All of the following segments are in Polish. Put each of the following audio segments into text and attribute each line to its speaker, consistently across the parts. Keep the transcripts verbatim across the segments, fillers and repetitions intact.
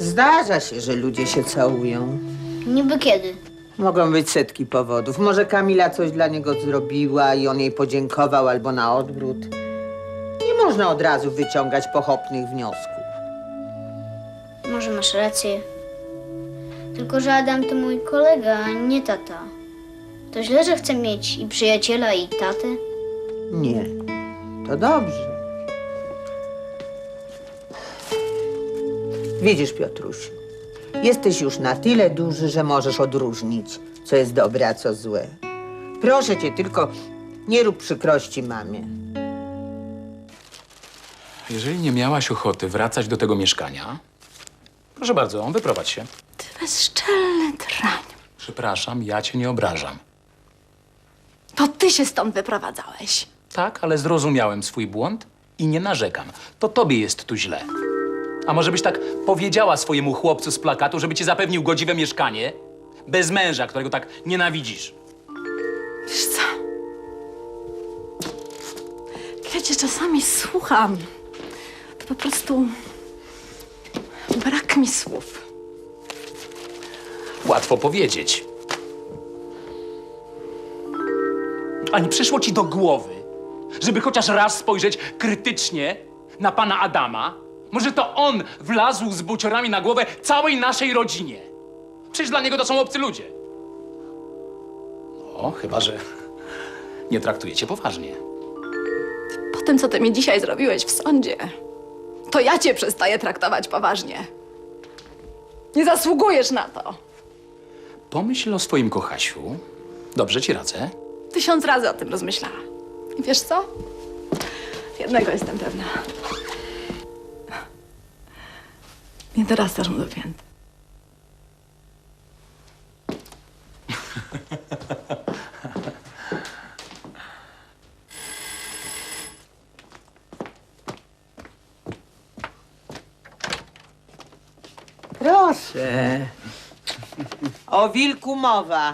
Speaker 1: Zdarza się, że ludzie się całują.
Speaker 2: Niby kiedy?
Speaker 1: Mogą być setki powodów. Może Kamila coś dla niego zrobiła i on jej podziękował, albo na odwrót. Nie można od razu wyciągać pochopnych wniosków.
Speaker 2: Może masz rację. Tylko, że Adam to mój kolega, a nie tata. To źle, że chcę mieć i przyjaciela, i tatę?
Speaker 1: Nie, to dobrze. Widzisz, Piotrusiu, jesteś już na tyle duży, że możesz odróżnić, co jest dobre, a co złe. Proszę cię, tylko nie rób przykrości mamie.
Speaker 3: Jeżeli nie miałaś ochoty wracać do tego mieszkania, proszę bardzo, wyprowadź się.
Speaker 4: Ty bezczelny drań.
Speaker 3: Przepraszam, ja cię nie obrażam.
Speaker 4: To ty się stąd wyprowadzałeś.
Speaker 3: Tak, ale zrozumiałem swój błąd i nie narzekam. To tobie jest tu źle. A może byś tak powiedziała swojemu chłopcu z plakatu, żeby ci zapewnił godziwe mieszkanie? Bez męża, którego tak nienawidzisz.
Speaker 4: Wiesz co? Ja cię czasami słucham. To po prostu brak mi słów.
Speaker 3: Łatwo powiedzieć. A nie przyszło ci do głowy, żeby chociaż raz spojrzeć krytycznie na pana Adama? Może to on wlazł z buciorami na głowę całej naszej rodzinie? Przecież dla niego to są obcy ludzie. No, chyba że nie traktujecie poważnie.
Speaker 4: Po tym, co ty mi dzisiaj zrobiłeś w sądzie, to ja cię przestaję traktować poważnie. Nie zasługujesz na to.
Speaker 3: Pomyśl o swoim kochasiu. Dobrze ci radzę.
Speaker 4: Tysiąc razy o tym rozmyślałam. I wiesz co? Jednego jestem pewna. Nie dorastasz mu do pięt.
Speaker 1: Proszę. O wilku mowa.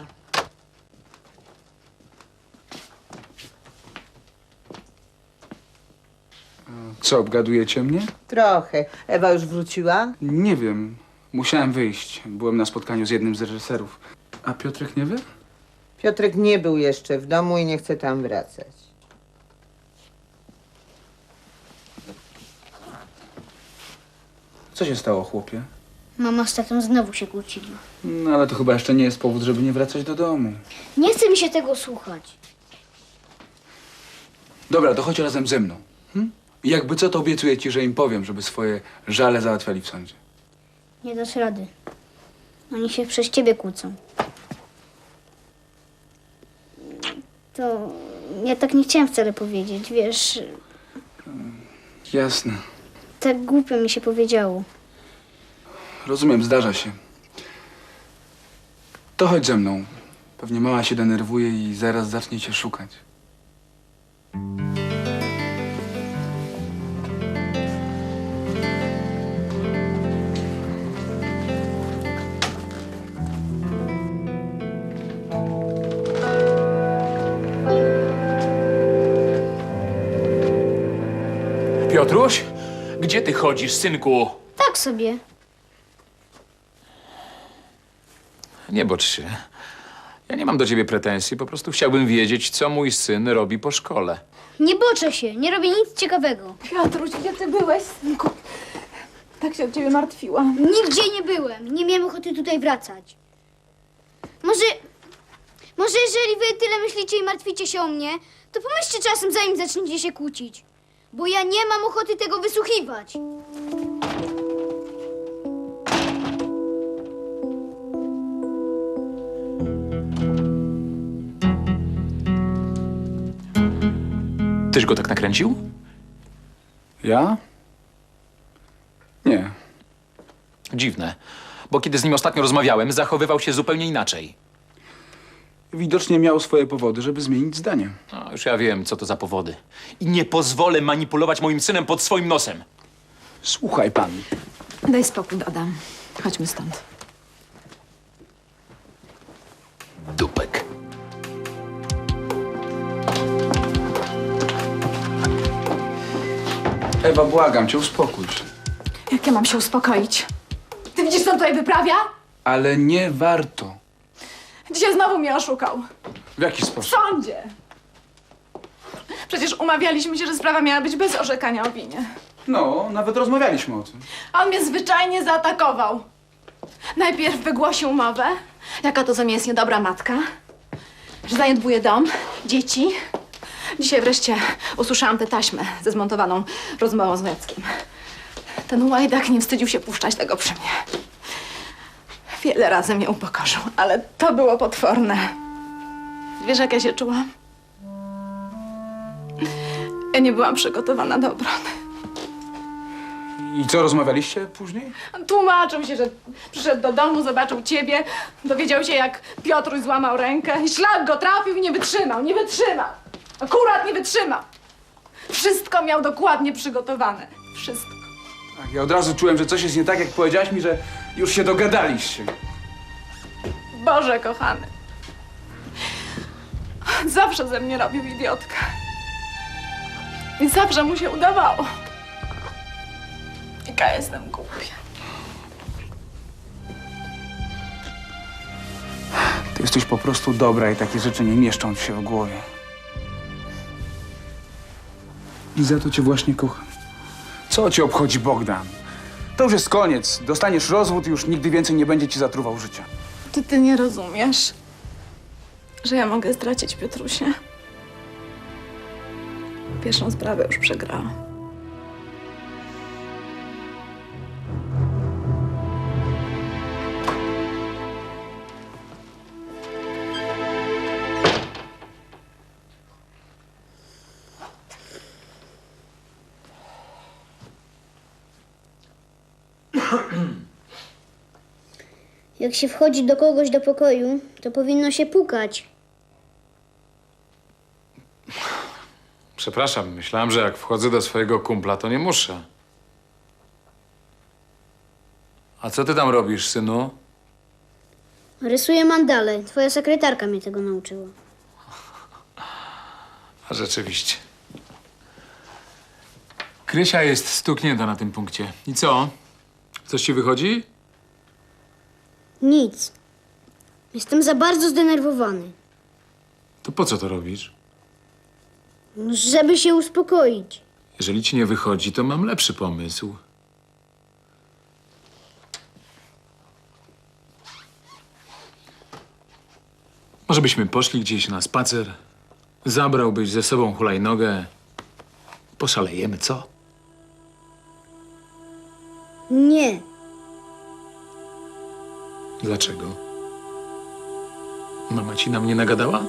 Speaker 5: Co, obgadujecie mnie?
Speaker 1: Trochę. Ewa już wróciła?
Speaker 5: Nie wiem. Musiałem wyjść. Byłem na spotkaniu z jednym z reżyserów. A Piotrek nie wie?
Speaker 1: Piotrek nie był jeszcze w domu i nie chce tam wracać.
Speaker 5: Co się stało, chłopie?
Speaker 2: Mama z tatą znowu się kłócili.
Speaker 5: No ale to chyba jeszcze nie jest powód, żeby nie wracać do domu.
Speaker 2: Nie chce mi się tego słuchać.
Speaker 5: Dobra, to chodź razem ze mną. Hm? I jakby co, to obiecuję ci, że im powiem, żeby swoje żale załatwiali w sądzie.
Speaker 2: Nie dasz rady. Oni się przez ciebie kłócą. To ja tak nie chciałam wcale powiedzieć, wiesz.
Speaker 5: Jasne.
Speaker 2: Tak głupio mi się powiedziało.
Speaker 5: Rozumiem, zdarza się. To chodź ze mną. Pewnie mama się denerwuje i zaraz zacznie cię szukać.
Speaker 3: Piotruś, gdzie ty chodzisz, synku?
Speaker 2: Tak sobie.
Speaker 3: Nie bocz się. Ja nie mam do ciebie pretensji, po prostu chciałbym wiedzieć, co mój syn robi po szkole.
Speaker 2: Nie boczę się, nie robię nic ciekawego.
Speaker 4: Piotruś, gdzie ty byłeś, synku? Tak się o ciebie martwiłam.
Speaker 2: Nigdzie nie byłem. Nie miałem ochoty tutaj wracać. Może... Może jeżeli wy tyle myślicie i martwicie się o mnie, to pomyślcie czasem, zanim zaczniecie się kłócić. Bo ja nie mam ochoty tego wysłuchiwać.
Speaker 3: Tyś go tak nakręcił?
Speaker 5: Ja? Nie.
Speaker 3: Dziwne, bo kiedy z nim ostatnio rozmawiałem, zachowywał się zupełnie inaczej.
Speaker 5: Widocznie miał swoje powody, żeby zmienić zdanie.
Speaker 3: No, już ja wiem, co to za powody. I nie pozwolę manipulować moim synem pod swoim nosem.
Speaker 5: Słuchaj pan.
Speaker 4: Daj spokój, Adam. Chodźmy stąd.
Speaker 3: Dupek.
Speaker 5: Ewa, błagam cię, uspokój się.
Speaker 4: Jak ja mam się uspokoić? Ty Ty widzisz, co on tutaj wyprawia?
Speaker 5: Ale nie warto.
Speaker 4: Dzisiaj znowu mnie oszukał.
Speaker 5: W jaki
Speaker 4: W
Speaker 5: sposób?
Speaker 4: sądzie. Przecież umawialiśmy się, że sprawa miała być bez orzekania o winie.
Speaker 5: No, nawet rozmawialiśmy o tym.
Speaker 4: A on mnie zwyczajnie zaatakował. Najpierw wygłosił umowę, jaka to ze mnie jest niedobra matka, że zaniedbuje dom, dzieci. Dzisiaj wreszcie usłyszałam tę taśmę ze zmontowaną rozmową z Jackiem. Ten łajdak nie wstydził się puszczać tego przy mnie. Wiele razy mnie upokorzył, ale to było potworne. Wiesz, jak ja się czułam? Ja nie byłam przygotowana do obrony.
Speaker 5: I co, rozmawialiście później?
Speaker 4: On tłumaczył się, że przyszedł do domu, zobaczył ciebie, dowiedział się, jak Piotruś złamał rękę i szlak go trafił i nie wytrzymał, nie wytrzymał. Akurat nie wytrzymał. Wszystko miał dokładnie przygotowane. Wszystko.
Speaker 5: Tak, ja od razu czułem, że coś jest nie tak, jak powiedziałaś mi, że już się dogadaliście.
Speaker 4: Boże kochany. Zawsze ze mnie robił idiotkę. I zawsze mu się udawało. Jaka jestem głupia.
Speaker 5: Ty jesteś po prostu dobra i takie rzeczy nie mieszczą ci się w głowie. I za to cię właśnie kocham. Co cię obchodzi Bogdan? To już jest koniec. Dostaniesz rozwód i już nigdy więcej nie będzie ci zatruwał życia.
Speaker 4: Czy ty nie rozumiesz, że ja mogę stracić Piotrusia? Pierwszą sprawę już przegrałam.
Speaker 2: Jak się wchodzi do kogoś do pokoju, to powinno się pukać.
Speaker 6: Przepraszam, myślałem, że jak wchodzę do swojego kumpla, to nie muszę. A co ty tam robisz, synu?
Speaker 2: Rysuję mandale. Twoja sekretarka mnie tego nauczyła.
Speaker 6: A rzeczywiście. Krysia jest stuknięta na tym punkcie. I co? Coś ci wychodzi?
Speaker 2: Nic. Jestem za bardzo zdenerwowany.
Speaker 6: To po co to robisz?
Speaker 2: Żeby się uspokoić.
Speaker 6: Jeżeli ci nie wychodzi, to mam lepszy pomysł. Może byśmy poszli gdzieś na spacer? Zabrałbyś ze sobą hulajnogę? Poszalejemy, co?
Speaker 2: Nie.
Speaker 6: Dlaczego? Mama ci na mnie nagadała?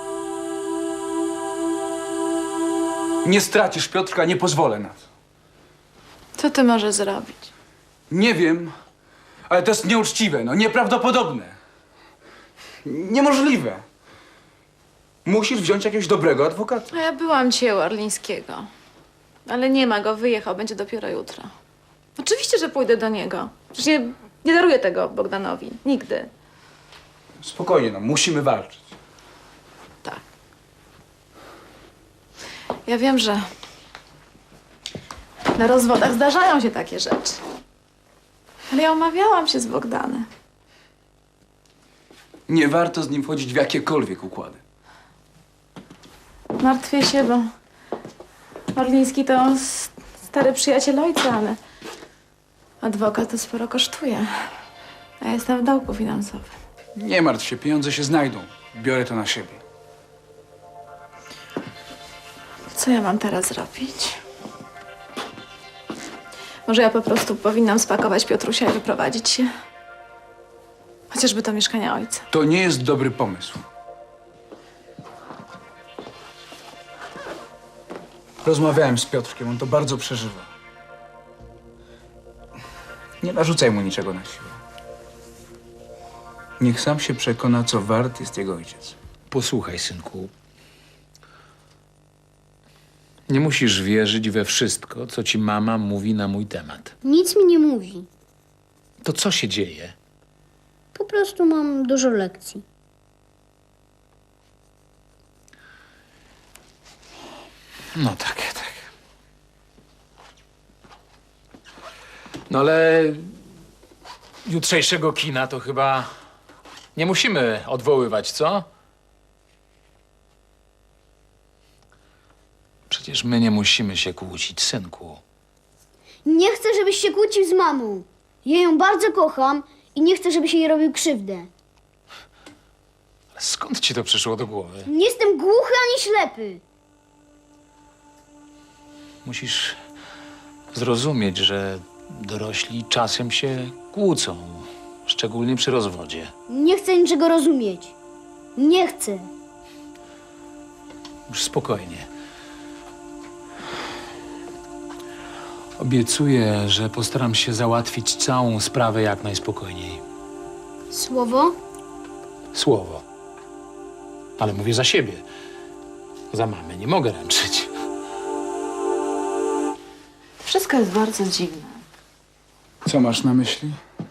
Speaker 5: Nie stracisz Piotrka, nie pozwolę na to.
Speaker 4: Co ty możesz zrobić?
Speaker 5: Nie wiem, ale to jest nieuczciwe, no nieprawdopodobne. Niemożliwe. Musisz wziąć jakiegoś dobrego adwokata.
Speaker 4: A ja byłam dzisiaj u Orlińskiego. Ale nie ma go, wyjechał, będzie dopiero jutro. Oczywiście, że pójdę do niego. Przecież nie, nie daruję tego Bogdanowi. Nigdy.
Speaker 5: Spokojnie, no, musimy walczyć.
Speaker 4: Tak. Ja wiem, że na rozwodach zdarzają się takie rzeczy. Ale ja umawiałam się z Bogdanem.
Speaker 5: Nie warto z nim wchodzić w jakiekolwiek układy.
Speaker 4: Martwię się, bo Orliński to s- stary przyjaciel ojca, ale adwokat to sporo kosztuje. A ja jestem w dołku finansowym.
Speaker 5: Nie martw się, pieniądze się znajdą. Biorę to na siebie.
Speaker 4: Co ja mam teraz zrobić? Może ja po prostu powinnam spakować Piotrusia i wyprowadzić się? Chociażby do mieszkania ojca.
Speaker 5: To nie jest dobry pomysł. Rozmawiałem z Piotrkiem, on to bardzo przeżywa. Nie narzucaj mu niczego na siłę. Niech sam się przekona, co wart jest jego ojciec.
Speaker 6: Posłuchaj, synku. Nie musisz wierzyć we wszystko, co ci mama mówi na mój temat.
Speaker 2: Nic mi nie mówi.
Speaker 6: To co się dzieje?
Speaker 2: Po prostu mam dużo lekcji.
Speaker 6: No tak, tak. No ale jutrzejszego kina to chyba nie musimy odwoływać, co? Przecież my nie musimy się kłócić, synku.
Speaker 2: Nie chcę, żebyś się kłócił z mamą. Ja ją bardzo kocham i nie chcę, żebyś jej robił krzywdę.
Speaker 6: Ale skąd ci to przyszło do głowy?
Speaker 2: Nie jestem głuchy ani ślepy.
Speaker 6: Musisz zrozumieć, że dorośli czasem się kłócą, szczególnie przy rozwodzie.
Speaker 2: Nie chcę niczego rozumieć. Nie chcę.
Speaker 6: Już spokojnie. Obiecuję, że postaram się załatwić całą sprawę jak najspokojniej.
Speaker 2: Słowo?
Speaker 6: Słowo. Ale mówię za siebie. Za mamę nie mogę ręczyć.
Speaker 4: Wszystko jest bardzo dziwne.
Speaker 5: Co masz na myśli?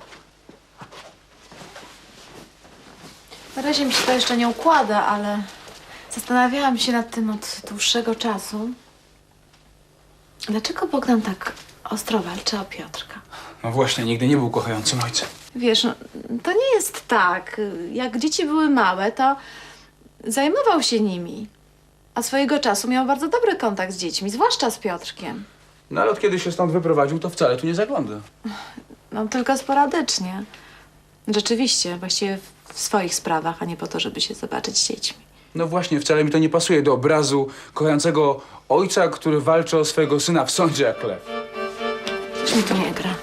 Speaker 4: Na razie mi się to jeszcze nie układa, ale zastanawiałam się nad tym od dłuższego czasu. Dlaczego Bogdan tak ostro walczy o Piotrka?
Speaker 5: No właśnie, nigdy nie był kochającym ojcem.
Speaker 4: Wiesz, no, to nie jest tak. Jak dzieci były małe, to zajmował się nimi. A swojego czasu miał bardzo dobry kontakt z dziećmi, zwłaszcza z Piotrkiem.
Speaker 5: No ale od kiedy się stąd wyprowadził, to wcale tu nie zagląda.
Speaker 4: No tylko sporadycznie. Rzeczywiście, właściwie w swoich sprawach, a nie po to, żeby się zobaczyć z dziećmi.
Speaker 5: No właśnie, wcale mi to nie pasuje do obrazu kochającego ojca, który walczy o swojego syna w sądzie jak lew.
Speaker 4: Coś mi tu nie gra.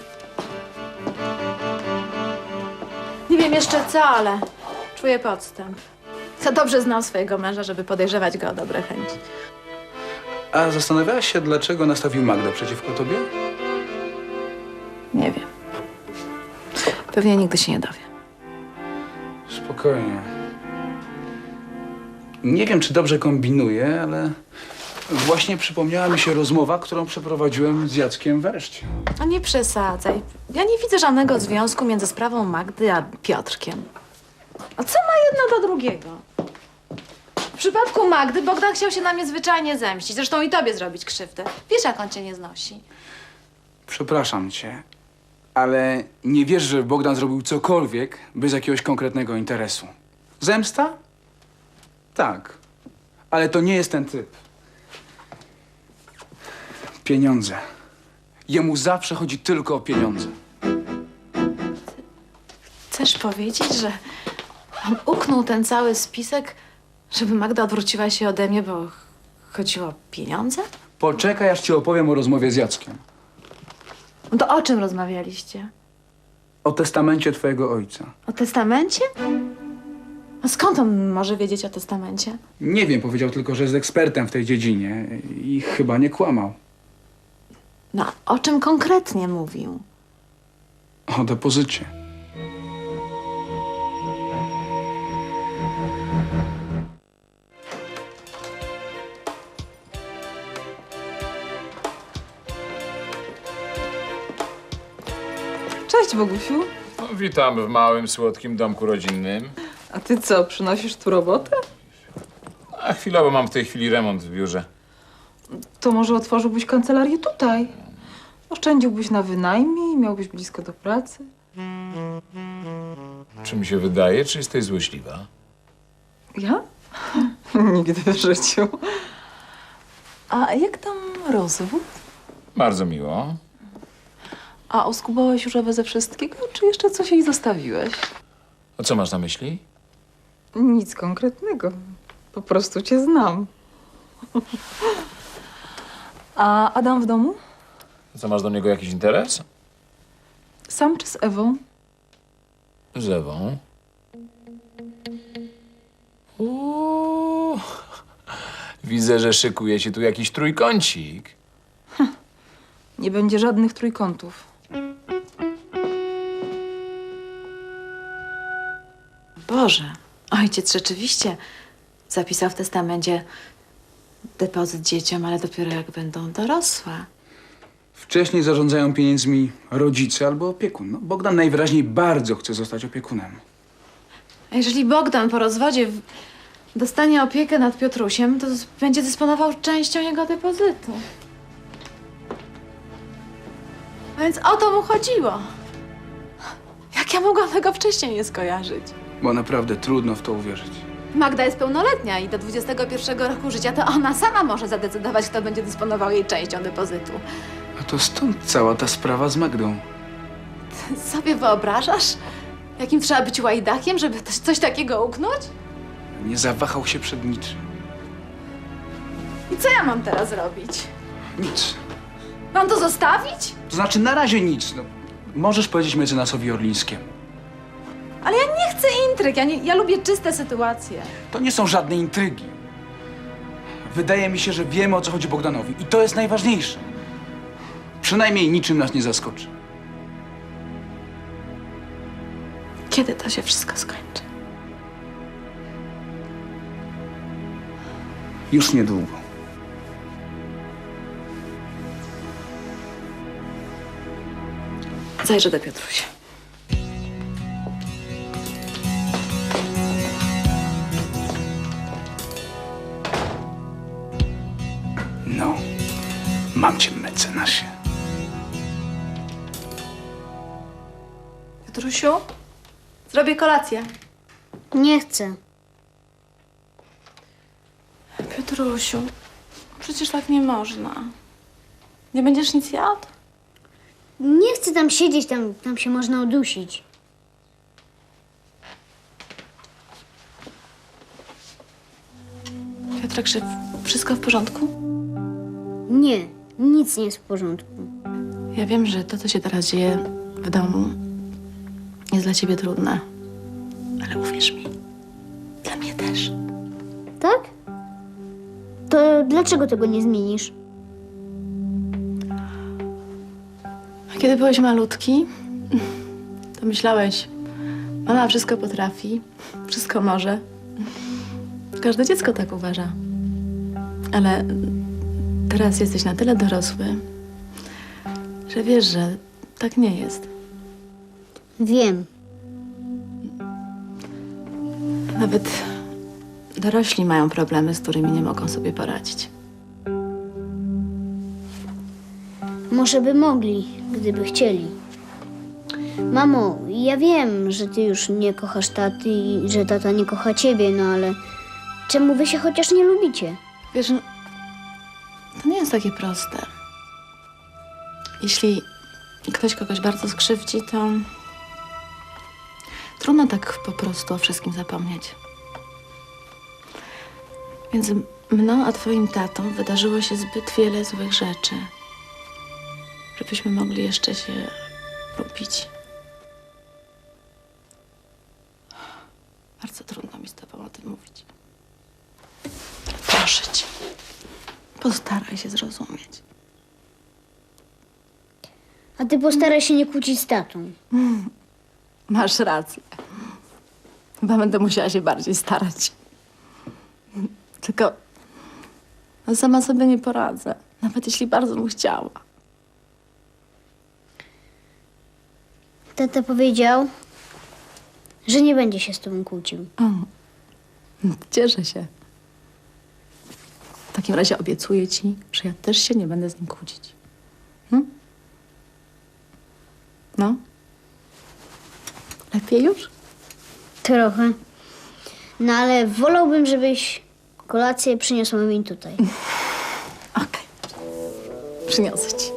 Speaker 4: Nie wiem jeszcze co, ale czuję podstęp. Za dobrze znał swojego męża, żeby podejrzewać go o dobre chęci.
Speaker 5: A zastanawiałaś się, dlaczego nastawił Magdę przeciwko tobie?
Speaker 4: Nie wiem. Pewnie nigdy się nie dowie.
Speaker 5: Spokojnie. Nie wiem, czy dobrze kombinuję, ale właśnie przypomniała mi się rozmowa, którą przeprowadziłem z Jackiem wreszcie.
Speaker 4: A nie przesadzaj. Ja nie widzę żadnego związku między sprawą Magdy a Piotrkiem. A co ma jedno do drugiego? W przypadku Magdy Bogdan chciał się na mnie zwyczajnie zemścić. Zresztą i tobie zrobić krzywdę. Wiesz, jak on cię nie znosi.
Speaker 5: Przepraszam cię, ale nie wiesz, że Bogdan zrobił cokolwiek bez jakiegoś konkretnego interesu. Zemsta? Tak, ale to nie jest ten typ. Pieniądze. Jemu zawsze chodzi tylko o pieniądze.
Speaker 4: Chcesz powiedzieć, że on uknął ten cały spisek, żeby Magda odwróciła się ode mnie, bo chodziło o pieniądze?
Speaker 5: Poczekaj, aż ci opowiem o rozmowie z Jackiem.
Speaker 4: No to o czym rozmawialiście?
Speaker 5: O testamencie twojego ojca.
Speaker 4: O testamencie? A skąd on może wiedzieć o testamencie?
Speaker 5: Nie wiem, powiedział tylko, że jest ekspertem w tej dziedzinie i chyba nie kłamał.
Speaker 4: No, o czym konkretnie mówił?
Speaker 5: O depozycie.
Speaker 7: Cześć, Bogusiu.
Speaker 6: No, witamy w małym, słodkim domku rodzinnym.
Speaker 7: A ty co, przynosisz tu robotę?
Speaker 6: A chwilowo mam w tej chwili remont w biurze.
Speaker 7: To może otworzyłbyś kancelarię tutaj. Oszczędziłbyś na wynajmie i miałbyś blisko do pracy.
Speaker 6: Czy mi się wydaje, czy jesteś złośliwa?
Speaker 7: Ja? Nigdy w życiu. A jak tam rozwód?
Speaker 6: Bardzo miło.
Speaker 7: A oskubałeś już Ewę ze wszystkiego, czy jeszcze coś jej zostawiłeś?
Speaker 6: A co masz na myśli?
Speaker 7: Nic konkretnego. Po prostu cię znam. A Adam w domu?
Speaker 6: Co, masz do niego jakiś interes?
Speaker 7: Sam czy z Ewą?
Speaker 6: Z Ewą. Uuu. Widzę, że szykuje się tu jakiś trójkącik.
Speaker 7: Nie będzie żadnych trójkątów.
Speaker 4: Boże, ojciec rzeczywiście zapisał w testamencie depozyt dzieciom, ale dopiero jak będą dorosłe.
Speaker 5: Wcześniej zarządzają pieniędzmi rodzice albo opiekun. No, Bogdan najwyraźniej bardzo chce zostać opiekunem.
Speaker 4: A jeżeli Bogdan po rozwodzie w- dostanie opiekę nad Piotrusiem, to z- będzie dysponował częścią jego depozytu. A więc o to mu chodziło. Jak Jak ja mogłam tego wcześniej nie skojarzyć?
Speaker 5: Bo naprawdę trudno w to uwierzyć.
Speaker 4: Magda jest pełnoletnia i do dwudziestego pierwszego roku życia to ona sama może zadecydować, kto będzie dysponował jej częścią depozytu.
Speaker 5: A to stąd cała ta sprawa z Magdą.
Speaker 4: Sobie wyobrażasz, jakim trzeba być łajdakiem, żeby coś, coś takiego uknąć?
Speaker 5: Nie zawahał się przed niczym.
Speaker 4: I co ja mam teraz robić?
Speaker 5: Nic.
Speaker 4: Mam to zostawić?
Speaker 5: To znaczy na razie nic. No, możesz powiedzieć mecenasowi Orlińskiemu.
Speaker 4: Ale ja nie chcę intryg, ja, nie, ja lubię czyste sytuacje.
Speaker 5: To nie są żadne intrygi. Wydaje mi się, że wiemy, o co chodzi Bogdanowi. I to jest najważniejsze. Przynajmniej niczym nas nie zaskoczy.
Speaker 4: Kiedy to się wszystko skończy?
Speaker 5: Już niedługo.
Speaker 4: Zajrzę do Piotrusia.
Speaker 5: No, mam cię, mecenasie.
Speaker 4: Piotrusiu, zrobię kolację.
Speaker 2: Nie chcę.
Speaker 4: Piotrusiu, przecież tak nie można. Nie będziesz nic jadł?
Speaker 2: Nie chcę tam siedzieć, tam, tam się można udusić.
Speaker 4: Piotrek, czy wszystko w porządku?
Speaker 2: Nie, nic nie jest w porządku.
Speaker 4: Ja wiem, że to, co się teraz dzieje w domu, jest dla ciebie trudne. Ale uwierz mi, dla mnie też.
Speaker 2: Tak? To dlaczego tego nie zmienisz?
Speaker 4: A kiedy byłeś malutki, to myślałeś, mama wszystko potrafi, wszystko może. Każde dziecko tak uważa. Ale teraz jesteś na tyle dorosły, że wiesz, że tak nie jest.
Speaker 2: Wiem.
Speaker 4: Nawet dorośli mają problemy, z którymi nie mogą sobie poradzić.
Speaker 2: Może by mogli, gdyby chcieli. Mamo, ja wiem, że ty już nie kochasz taty i że tata nie kocha ciebie, no ale czemu wy się chociaż nie lubicie?
Speaker 4: Wiesz, no, to nie jest takie proste. Jeśli ktoś kogoś bardzo skrzywdzi, to trudno tak po prostu o wszystkim zapomnieć. Między mną a twoim tatą wydarzyło się zbyt wiele złych rzeczy, żebyśmy mogli jeszcze się lubić. Bardzo trudno mi z tobą o tym mówić. Proszę cię, postaraj się zrozumieć.
Speaker 2: A ty postaraj się nie kłócić z tatą.
Speaker 4: Masz rację. Chyba będę musiała się bardziej starać. Tylko no, sama sobie nie poradzę, nawet jeśli bardzo bym chciała.
Speaker 2: Tata powiedział, że nie będzie się z tobą kłócił.
Speaker 4: Cieszę się. W takim razie obiecuję ci, że ja też się nie będę z nim kłócić. Hm? No? Lepiej już?
Speaker 2: Trochę. No ale wolałbym, żebyś kolację przyniosła mi tutaj.
Speaker 4: Okej. Przyniosę ci.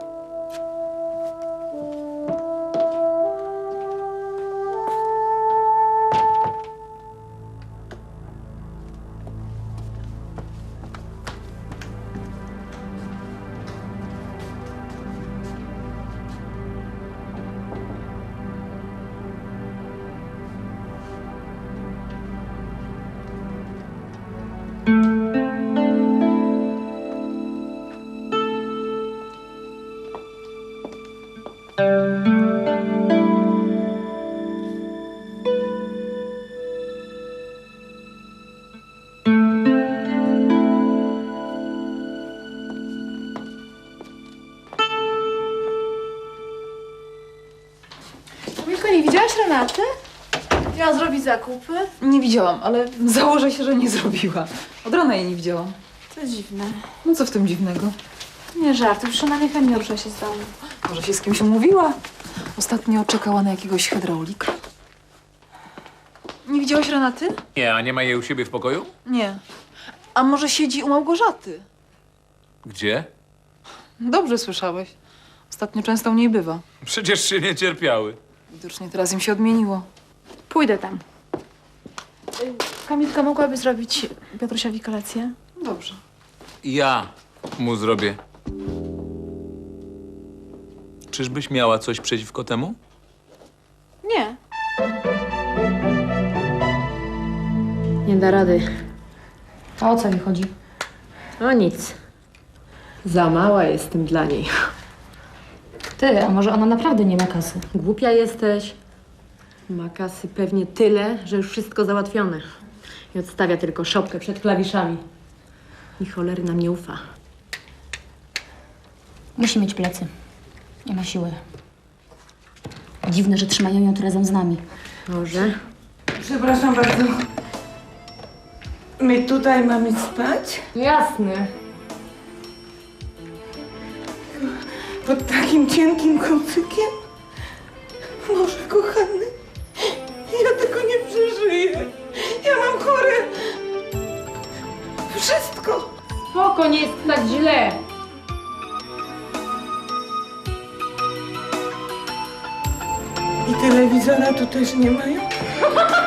Speaker 4: Milko, nie widziałaś Renaty? Miała zrobić zakupy.
Speaker 7: Nie widziałam, ale założę się, że nie zrobiła. Od rana jej nie widziałam.
Speaker 4: To dziwne.
Speaker 7: No co w tym dziwnego?
Speaker 4: Nie żartuj, już ona niechętnie rusza się z domu.
Speaker 7: Może się z kimś umówiła? Ostatnio czekała na jakiegoś hydraulika. Nie widziałaś Renaty?
Speaker 6: Nie, a nie ma jej u siebie w pokoju?
Speaker 7: Nie. A może siedzi u Małgorzaty?
Speaker 6: Gdzie?
Speaker 7: Dobrze słyszałeś. Ostatnio często u niej bywa.
Speaker 6: Przecież się nie cierpiały.
Speaker 7: Widocznie teraz im się odmieniło.
Speaker 4: Pójdę tam. Y, Kamilka, mogłaby zrobić Piotrusiowi kolację?
Speaker 7: Dobrze.
Speaker 6: Ja mu zrobię. Czyżbyś miała coś przeciwko temu?
Speaker 4: Nie.
Speaker 8: Nie da rady. A o co mi chodzi? O nic. Za mała jestem dla niej. Ty, a może ona naprawdę nie ma kasy? Głupia jesteś. Ma kasy pewnie tyle, że już wszystko załatwione. I odstawia tylko szopkę przed klawiszami. I cholery nam nie ufa.
Speaker 9: Musi mieć plecy. Nie ma siły. Dziwne, że trzymają ją tu razem z nami.
Speaker 8: Może?
Speaker 10: Przepraszam bardzo. My tutaj mamy spać?
Speaker 8: Jasne.
Speaker 10: Pod takim cienkim kocykiem? Boże kochany, ja tego nie przeżyję. Ja mam chore... wszystko.
Speaker 8: Spoko, nie jest tak źle.
Speaker 10: I telewizora tu też nie mają?